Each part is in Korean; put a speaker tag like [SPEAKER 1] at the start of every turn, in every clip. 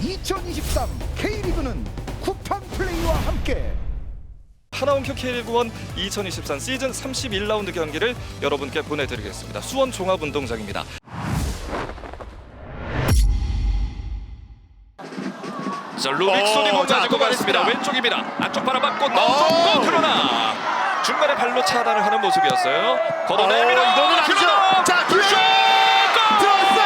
[SPEAKER 1] 2023 K리그는 쿠팡 플레이와 함께
[SPEAKER 2] 하나원큐 K리그1 2023 시즌 31라운드 경기를 여러분께 보내드리겠습니다. 수원 종합운동장입니다. 자, 루빅손이 공 가지고 갔습니다. 왼쪽입니다. 안쪽 바라봤고 넘었고 그러나 중간에 발로 차단을 하는 모습이었어요. 걷어냅니다.
[SPEAKER 3] 이거는 아니죠. 자, 기회 들어왔어요.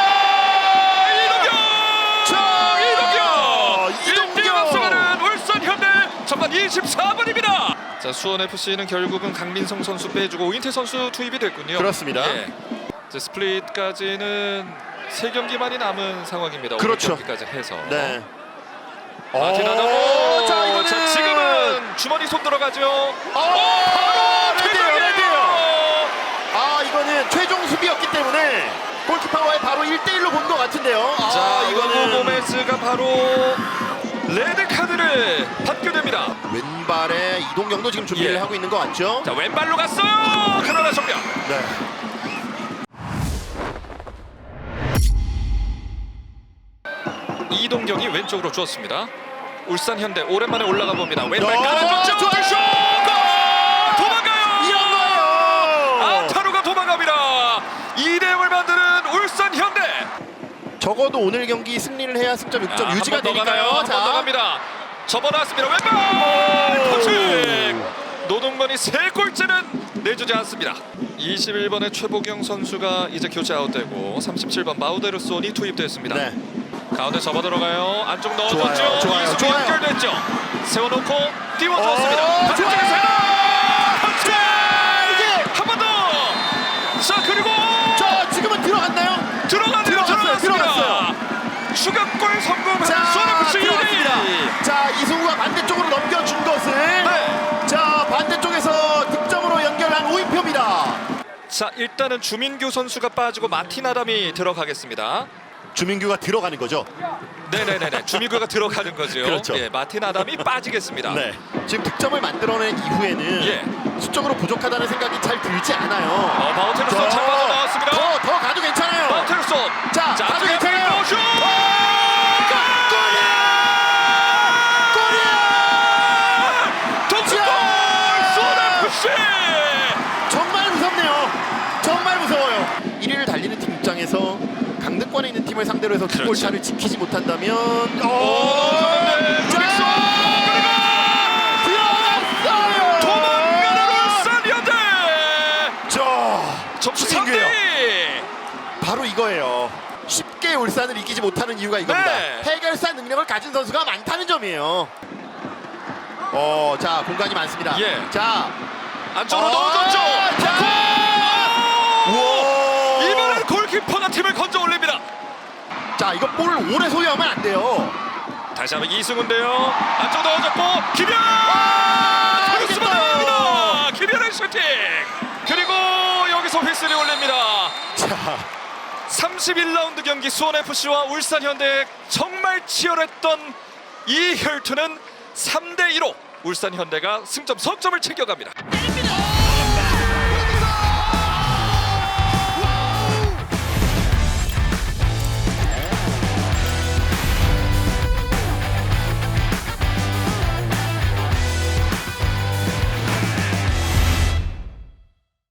[SPEAKER 2] 이동경 1대1 앞서가는 울산 현대 전반 24분입니다. 자, 수원 FC는 결국은 강민성 선수 빼주고 오인태 선수 투입이 됐군요.
[SPEAKER 3] 그렇습니다.
[SPEAKER 2] 예. 자, 스플릿까지는 3경기만이 남은 상황입니다.
[SPEAKER 3] 그렇죠.
[SPEAKER 2] 5경기까지 해서.
[SPEAKER 3] 네.
[SPEAKER 2] 마티나다모.
[SPEAKER 3] 자, 이거는
[SPEAKER 2] 자, 지금은 주머니 손 들어가죠.
[SPEAKER 3] 바로
[SPEAKER 2] 퇴장이에요.
[SPEAKER 3] 레드예요. 아, 이거는 최종 수비였기 때문에 골키퍼와의 바로 1대1로 본 것 같은데요.
[SPEAKER 2] 자,
[SPEAKER 3] 이거는
[SPEAKER 2] 고메즈가 바로 레드 카드를 받게 됩니다.
[SPEAKER 3] 왼발에 이동경도 지금 준비를
[SPEAKER 2] 예.
[SPEAKER 3] 하고 있는 것 같죠?
[SPEAKER 2] 자, 왼발로 갔어요. 그러나 정면.
[SPEAKER 3] 네.
[SPEAKER 2] 이동경이 왼쪽으로 주었습니다. 울산 현대 오랜만에 올라가 봅니다. 왼발
[SPEAKER 3] 야,
[SPEAKER 2] 가는 득점. 슛! 골! 도망가요.
[SPEAKER 3] 이런 거예요.
[SPEAKER 2] 아타루가 도망갑니다. 2대0을 만드는 울산 현대.
[SPEAKER 3] 적어도 오늘 경기 승리를 해야 승점 6점 유지가 되니까요.
[SPEAKER 2] 한번 더 갑니다. 접어놨습니다. 왼발 터치. 노동건이 3골째는 내주지 않습니다. 21번의 최보경 선수가 이제 교체 아웃되고 37번 마우데르손이 투입됐습니다.
[SPEAKER 3] 네.
[SPEAKER 2] 가운데 접어 들어가요. 안쪽 넣어줬죠.
[SPEAKER 3] 좋아요, 좋아요,
[SPEAKER 2] 이승우
[SPEAKER 3] 좋아요.
[SPEAKER 2] 연결됐죠. 세워놓고 띄워줬습니다.
[SPEAKER 3] 좋아요.
[SPEAKER 2] 터치. 한 번 더. 자, 그리고
[SPEAKER 3] 저 지금은 들어갔나요?
[SPEAKER 2] 들어갔습니다. 추가골 성공한 수원 FC 2대1.
[SPEAKER 3] 자, 이승우가 반대쪽으로 넘겨준 것을
[SPEAKER 2] 네.
[SPEAKER 3] 자, 반대쪽에서 득점으로 연결한 오인표입니다.
[SPEAKER 2] 자, 일단은 주민규 선수가 빠지고 마틴 아담이 들어가겠습니다.
[SPEAKER 3] 주민규가 들어가는 거죠?
[SPEAKER 2] 네네네네. 주민규가 들어가는 거죠.
[SPEAKER 3] 그렇죠.
[SPEAKER 2] 예, 마틴 아담이 빠지겠습니다.
[SPEAKER 3] 네. 지금 득점을 만들어낸 이후에는
[SPEAKER 2] 예.
[SPEAKER 3] 수적으로 부족하다는 생각이 잘 들지 않아요.
[SPEAKER 2] 바우테르손 잘 빠져나왔습니다.
[SPEAKER 3] 더 가도 괜찮아요.
[SPEAKER 2] 바우테르손.
[SPEAKER 3] 자, 가도 괜찮아요.
[SPEAKER 2] 슛! 동점골! 수원 FC!
[SPEAKER 3] 정말 무섭네요. 정말 무서워요. 1위를 달리는 팀 입장에서 강등권에 있는 팀을 상대로 해서
[SPEAKER 2] 그렇죠.
[SPEAKER 3] 골차를 지키지 못한다면
[SPEAKER 2] 루빅손!
[SPEAKER 3] 들어갔어요.
[SPEAKER 2] 도망가는 울산 현대! 점수
[SPEAKER 3] 주민규예요.
[SPEAKER 2] 3대!
[SPEAKER 3] 바로 이거예요. 쉽게 울산을 이기지 못하는 이유가 이겁니다.
[SPEAKER 2] 네.
[SPEAKER 3] 해결사 능력을 가진 선수가 많다는 점이에요. 자, 공간이 많습니다.
[SPEAKER 2] 예.
[SPEAKER 3] 자,
[SPEAKER 2] 안쪽으로 넣어줬죠.
[SPEAKER 3] 우와.
[SPEAKER 2] 이번엔 골키퍼가 팀을 건져 올립니다.
[SPEAKER 3] 자, 이거 볼을 오래 소유하면 안 돼요.
[SPEAKER 2] 다시 한번 이승우인데요. 안쪽 넣어줬고 김현! 크로스만
[SPEAKER 3] 이겼어요.
[SPEAKER 2] 나갑니다. 김현의 슈팅. 그리고 여기서 휘슬이 울립니다.
[SPEAKER 3] 자,
[SPEAKER 2] 31라운드 경기 수원 FC와 울산 현대의 정말 치열했던 이 혈투는 3대2로 울산 현대가 승점 석점을 챙겨갑니다.